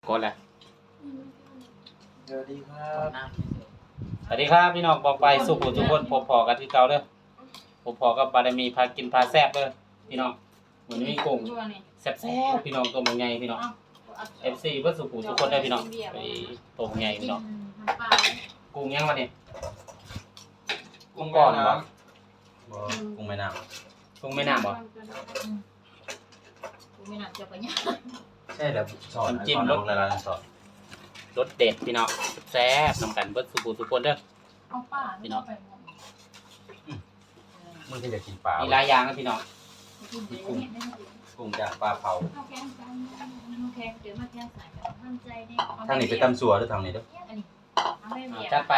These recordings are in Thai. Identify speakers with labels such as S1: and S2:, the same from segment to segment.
S1: กดแหละ
S2: สวัสดีครับ
S1: สวัสดีครับพี่น้องบอกไปสุขุทุกคนพบพอกันที่เก่าเด้อพบพอกับบารมีพากินพาแซ่บเด้อพี่น้องเหมือนมีกุ้งแซ่บๆพี่น้องตัวมันใหญ่พี่น้อง FC เพื่อสุขุทุกคนได้พี่น้องไปตัวมันใหญ่พี่น้องกุ้งยังวะเนี่ยกุ้งก่อนบ่
S2: กุ้งแม่น้
S1: กุ้งแม่น้ำบ่
S3: กูไม่นับเจ้าปัญญา
S2: ำใช่แล้วสอนจิ้มรสละลายสอน
S1: รสเด็ดพี่น้องแซ่บนำกันเบิดสุขุทุกคนเด้อ
S3: เอาป้าพี่น้องไปหมด
S2: มึงที่จะกินปลา
S1: มีหลายอย่างนะพี่น้อง
S2: กุ้งจากปลาเผา
S3: เอาแกงกันเอาแกงเดี๋ยวมาแกงใส่กันมั่นใจเนี่ย
S2: ทางนี้ไปตำสัวหรือทางนี้เด้อ
S3: อันนี้เอาไม่เบียร์
S1: จัดไป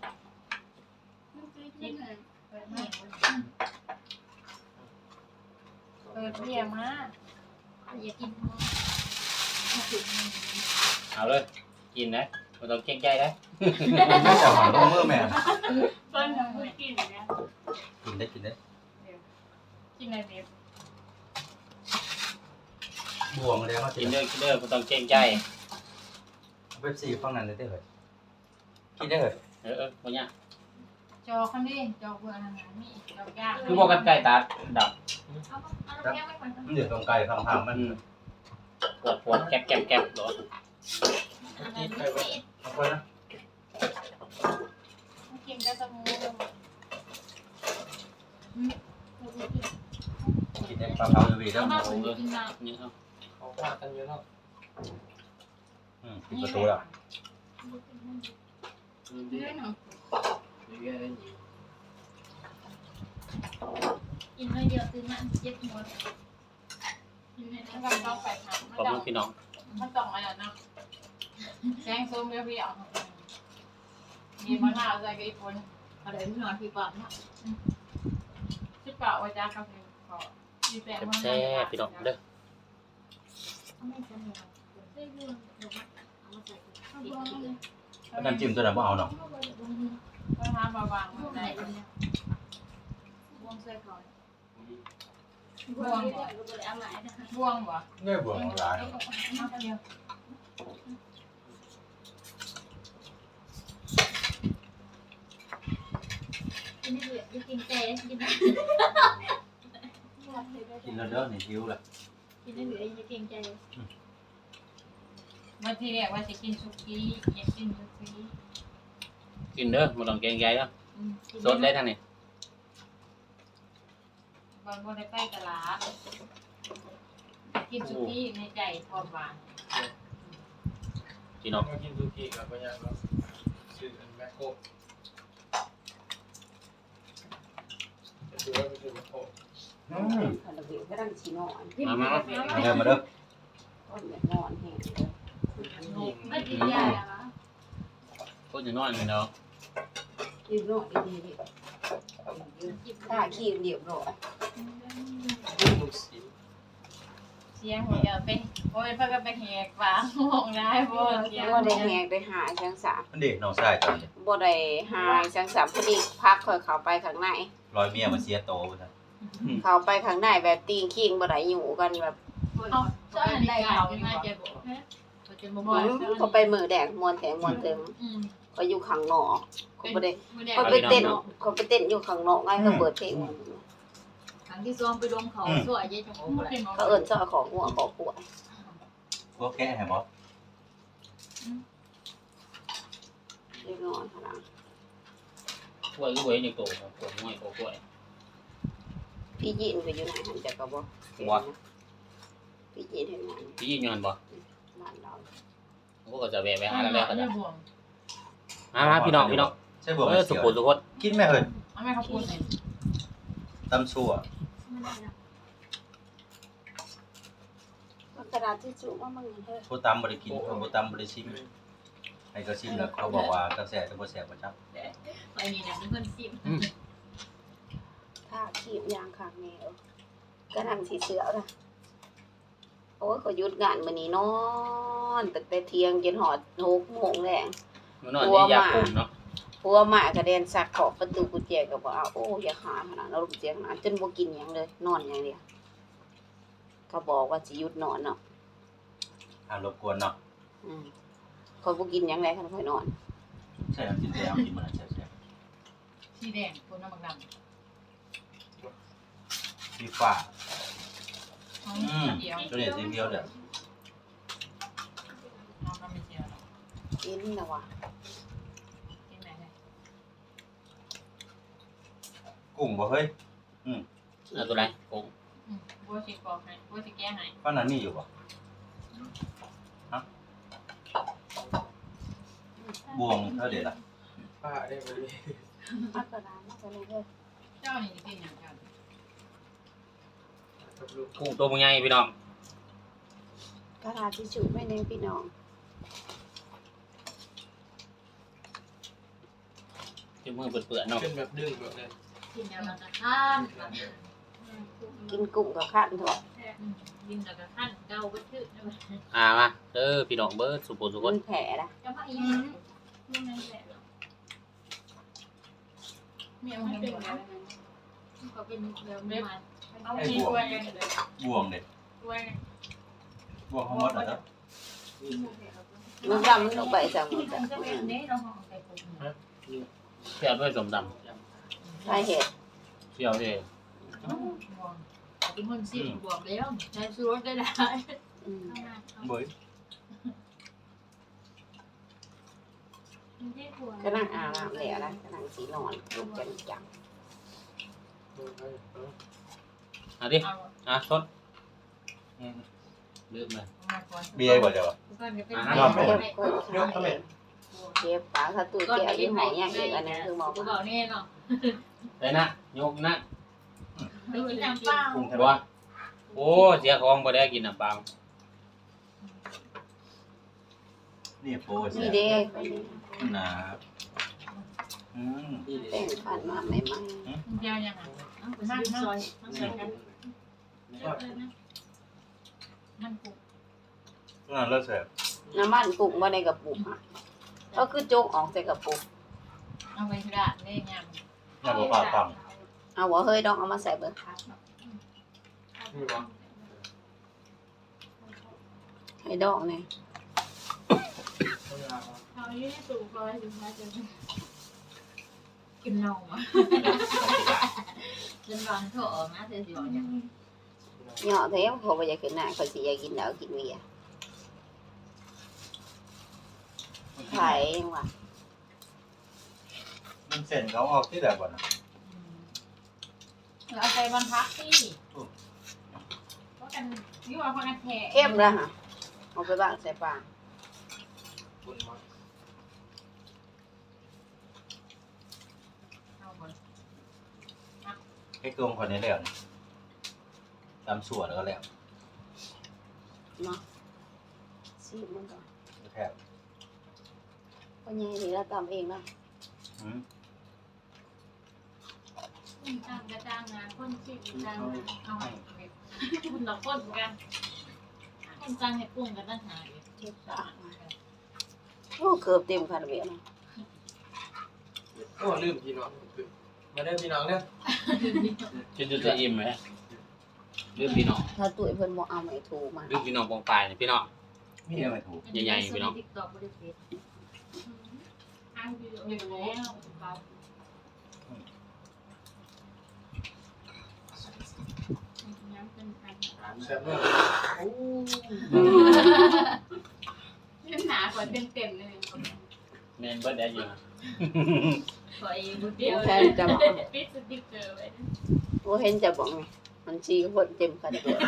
S3: เปิดเบียร์มาอย่ากิน
S1: เอาเลยกินนะไม่ต้องเก่งใจนะ
S2: ไม่จะหาลงมือแม่
S3: ต้นยังไม่กินนะ
S2: กินได้กินได้
S3: กินอะไรเบียร์
S2: บวงเลยว่า
S1: กินเด้อกินเด้อไม่ต้องเก่งใจ
S2: เว็บซีฟังนั้นได้เหรอกินได้เหรอ
S1: บ่ยาก
S3: จอคันนี้จอเพื่อนอาหารนี่จอยาก
S1: คือบอกกันไก่ตาดับ
S3: เอาแก้วไม่ควร
S2: มันเดือดตรงไกลข้างๆมัน
S1: ปวดแก๊บแก๊บแก๊บหรอ
S2: เอาไปนะ
S3: กินได้สมูท
S2: กินได้ปลาเผาอยู่ดีแล้ว
S3: มาผมกินน้
S1: นี่เอา
S4: เขาพากันอยู่แล้ว
S2: ปิดประตูแล้ว
S3: ำเรื่องกินไม่เยอะตื่นมาเจ็บหัวกินในนั้นก็ต้องไปทำ
S1: ขอบคุณพี่น้อง
S3: มันต้องอะไรนะแกงส้มเปรี้ยวๆมีมะนาวใส่กระดิ่งอะไรไม่นอนพี่ปั๊มนะชิบเปล่าไว้จ้าครับขอมีแป้งมะนาว
S1: แซ่บพี่น้องเด้อ
S2: น้ำจิ้มตัวนั้นบ่เอาเนาะ
S3: ก็ทำบางๆได้บวงใส่เขาบวงบวงวะ
S2: เนี่ยบวงหลาย
S3: กินเจกิน
S2: กินแล้วเด้อนี่หิวละ
S3: กินได้เหลือยังเก่งใจมาทีแรกว่าจะกินสุกี้อยากกินสุกี้
S1: กินเด้อไม่ต้องเก่งใจเด้อสดได้ทางนี้
S3: บางคนไปตลาดกินสุกี้ในใจความหวาน
S1: พี่น้อง
S4: มากินซูกิกับพญาครับชื่อแมคโครชื่อว่าเป็นชื่อแมคโคร
S5: ขนมเบียร์ก็ดังชีนอน
S1: มา
S2: เดินมาเด้อ
S5: ก้อนแบบนอนแห้งเลย
S3: ไม่กินยาอะคะ
S1: พูดถึงนอนเลยเนาะ
S5: ยืนนอนดีๆถ้าขี้เดียวร้อย
S4: ลูกสี
S3: เสียงหัวเยอะเป็นโอ้ยพักกันไปแหกปากมองได้บ่เสียง
S5: บ่ได้แหงได้หายจังสาม
S2: มันเด็กน้องชายตอนนี้
S5: บ่ได้หายจังสามพอดีพักค่อยเข้าไปข้างใน
S2: รอยเมียมาเสียโตไปซะ
S5: เข้าไปข้างในแบบตีงคิงบ่ได้อยู่กันแบบ
S3: เอาเจ้าได้เขาน่าจะบอกเขาจะบ่บอก
S5: เขาไปมือแดงมวนแถงมวนเติมก็อยู่ข้างนอกเขาบ่ได้
S3: ไม่ได้
S5: เขาไปเต้นเขาไปเต้นอยู่ข้างนอกไงเขาเปิดเพลง
S3: ครั้งที่ซ้อมไปลงเขาสวยเยอะจังโอ้ย
S5: เขาเอิ้นซอยของหัวของขวด
S2: พวกแกะให้บ่
S5: เรียบร้อยค่ะนะ
S1: กล้วยก็เว้ยในโต๊ะกล้วยง่อยกล้วย
S5: พี่ยินก็อยู่ไหนหันจักก็บ่พี่ยินเฮ็ดงาน
S1: พี่ยินยันบ่
S5: บ้านเรา
S1: พวกก็จะแวะไปหาแล้วแล้วก็จะ
S3: บ่วง
S1: มาพี่น้อง
S2: ใช่บวง
S1: สุ
S2: เสียว
S1: ขุทุกคน
S2: กินแม่เอิ้น
S3: เอาแม่เขาพูดเลย
S2: ตำสัว
S5: กระดาษทิชชู่ว่ามันเฮ้ย
S2: ผู้ตำบ่ได้กินผู้ตำบ่ได้ชิมให้เขาชิมแล้วเขาบอกว่าจักแซ่บจักบ่แซ่บบ่จัก
S3: ไปนี่นะเพื่อนซิม
S5: ถ้าขีบยางข้างแนวก็นั่งสีเสือนะโอ้ยก็หยุดงานมื้อนี้นอนตั้งแต่เที่ยงจนหอด6 โมงแลง
S1: มันนอนนี่ยากลุ่มเนาะ
S5: ผัวหมากระเด็นสักขอบประตูกุญแจก็บอกเอาโอ้อย่าหาขนาดนั้นกุญแจขนาดจนบ่กินหยังเลยนอนอย่างเดียวก็บอกว่าสิหยุดนอนเนาะ
S2: ห้ามรบกวนเนาะ
S5: คอยบ่กินหยังไงคันคอยนอน
S2: ใช่น้ำจิ้มแจ่วกินมันแซ่บ
S3: สีแดงคนน้ำมันดำ
S2: ๆที่ฟ้า
S3: เดียว
S2: ตัวนี้สีเขียวเด้อ
S3: น้องก็ไม่เชียวหรอก
S5: กินนะว่ะ
S3: กินไหนเลย
S2: กุ้งบ่เฮ้ย
S1: เอาตัวไหนกุ้ง
S3: บัวสีกรอบให้บัวสีแก้ให้
S2: ป้านั้นมีอยู่บ่บวงเท่าเด็ดล่ะ
S4: ป้าได้มาดิ
S5: มักกะลามักกะเลยเด้อ
S3: เจ้านี่กินอย่างกัน
S4: กับลูก
S1: กุ้งตัวมันใหญ่พี่น้อง
S5: กะลาทิชชู่ไม่แน่พี่น้อง
S1: ที่มือเปื่อนๆเนาะ
S4: เป็นแบบดึงแบบนั้น
S3: กินแล้วก็ข้าน
S5: กินกุ้งกับข้าวเถอะ
S3: กินแล้วก็ข้านเกาไปชื่อ
S1: มาเด้อพี่น้องเบิร์ดสุโขสุข
S5: มัน นแผลนะ
S3: จะมาอีกนี่นั่นแหละเมียมันเป็นแบบก็เป็นแบบมันเอาที่ตัวเองเลย
S2: บวงเด็ด
S3: ตัวเอง
S2: บวงเขาหมดแล้ว
S5: มันดำมันลงไปสั่งมันจะ
S3: จะเป็นเนี้ยเราห่อไปปุ๊บ
S1: เที่ยวด้วยสมด
S5: ใช่เห็ด
S1: ำเที่ยวด้วย
S3: เป็นคนสิบวกแล้วใช้ชูรสได้ได้
S5: อืม
S2: เบ้ย
S5: ก็นั่งอาบน้ำแล้วนะก็นั่งสีนอนลุกจังจัง
S1: เอาดิ
S3: เอา
S1: ชดลืมเลย
S3: มาก่อน
S2: เบียร์กว่าจะวะ
S3: ก่อนจะเป็น
S5: เก็บก้นขาเองเก็บปลาถ้าตู้แก้วยี่ห้ออย่างอีกอันนึงคือหมอ
S3: กูบอกนี่เนาะ
S1: ได้นะยกนะ
S3: ไปกินน้ำเปล่า
S2: กุ้ง
S1: บัวโอ้เสียของบ่ได้กินน้ำเปล่า
S2: นี่โปรเสี
S5: นี่
S2: ย
S5: เด้
S2: นะม
S5: แต่งผ่านมาใหม่
S3: เดียวยังไงนั่งซอยนั่งซอยกันมันกู
S2: ตัวนั้นเลิศเสีย
S5: ๆน้ำมันกุ้งมาในกระปุกอ่ะก็คือโจกออกใส่กระปุก
S3: เอาไปที่ร้านได้ยัง
S2: อย่าบอกปากฟัง
S5: เอาหัวเฮ้ยดองเอามาใส่เบิ่ง
S4: มีวะ
S5: ให้ดองเนี่ย
S4: ต้องยาว
S3: เขาอยู่ในตู้คอยถึงมาจะกินนมอ่ะจนร้อนโถนะเธอสิบอกอย่าง
S5: เหยาะแท้เขาบ่อยากกินหน้าเขาสิอยากกินแล้วกินเวียไข่ยังวะ
S2: มันเส้นเขาออกที่แบบบ่นะ
S3: เอาใจบรรพักที่เพราะกันนี่ว่าพอกันแทะ
S5: เข้มแล้วฮะเอาไปบ้างใส่ปลา
S4: คุณมา
S3: เอาหมด
S2: ให้กลมคนนี้แล้วนี่ตำส่วนแล้วก็แล้ว
S5: เนาะซีบมันก่อน
S2: แทบ
S5: พ่อใหญ่นี่เราตำเองเนาะ
S2: อืม
S3: จ้างกระจ้างงานคนชิมจ้างงานเอาให้คุณต่อคนกันคนจ้างให้ปรุงกันตั้งหาอยู่
S5: เจ็บปากมาโอ้เกือบเต็มคาราเบลเนาะ
S4: โอ้ลืมพี่น้องมาได้พี่น้องเนี่ย
S1: จะจะอิ่มไหมลืมพี่น้อง
S5: ถ้าตุ้ยเพิ่นบ่เอาไม่ถูกมา
S1: ลืมพี่น้องปองปลายนี่พี่น้อง
S2: มีอะไรถูก
S1: ใหญ่ๆพี่น้อง
S3: ติ๊กต็อกบริษัทอ้างอยู่แล้วย้ำเป็นกัน
S4: แซ่บเลยโอ้
S3: เล่นหนากว่าเต็มเลย
S1: แมนเบิร์ดได้อยู่นะ
S3: ขอเองเดียวปิดสติ๊กเกอร์ไว้
S5: บ่เห็นจะบอกไงมันชี้คนเต็มคาราเบล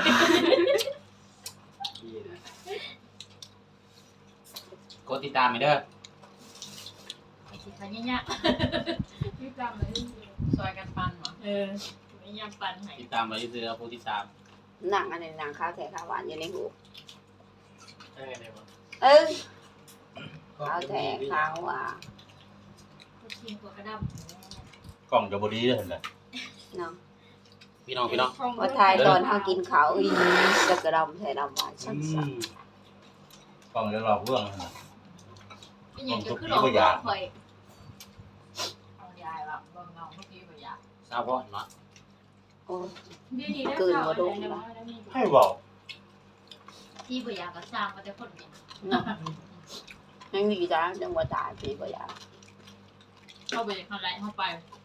S1: กดติดตามไปเด้อ
S3: สิคันเนี่ยพี่จำเลยซอยกันปันเหรอไม่ยำปันไหน
S1: ติดตามไปซื้อผู้ติดตาม
S5: หนังอันนี้หนังข้าวแท้ข้าวหวานอยู่ในหู
S4: ได้ไงเนี่ยวะ
S5: เอ้ยข้าวแท้ข้าวหวาน
S3: ชิมกว่ากระด
S2: กล่องจะบดีเลยเห็นไหม
S5: เนาะ
S1: พี่น้องพี่น้อง
S5: ว่าทายตอนเฮากินข้าวอีจะกระดำใส่ดำหวานชัก
S2: กล่องจะหลอกลวงเห็นไหม
S3: ำนี่ยังจะขึ้นหลอกคอยเอายายแบบลองเงาเมื่อกี้แบบยา
S1: สาวพ่อเนาะ
S5: โอ้
S3: ที่
S2: ให้บอก
S3: แบบยาก็สร้างมาแต่คนเนี่ย
S5: เนาะยังดีจ้าจังหวะตายปีก็อยาก
S3: เข้าไปเข้าไรเข้าไป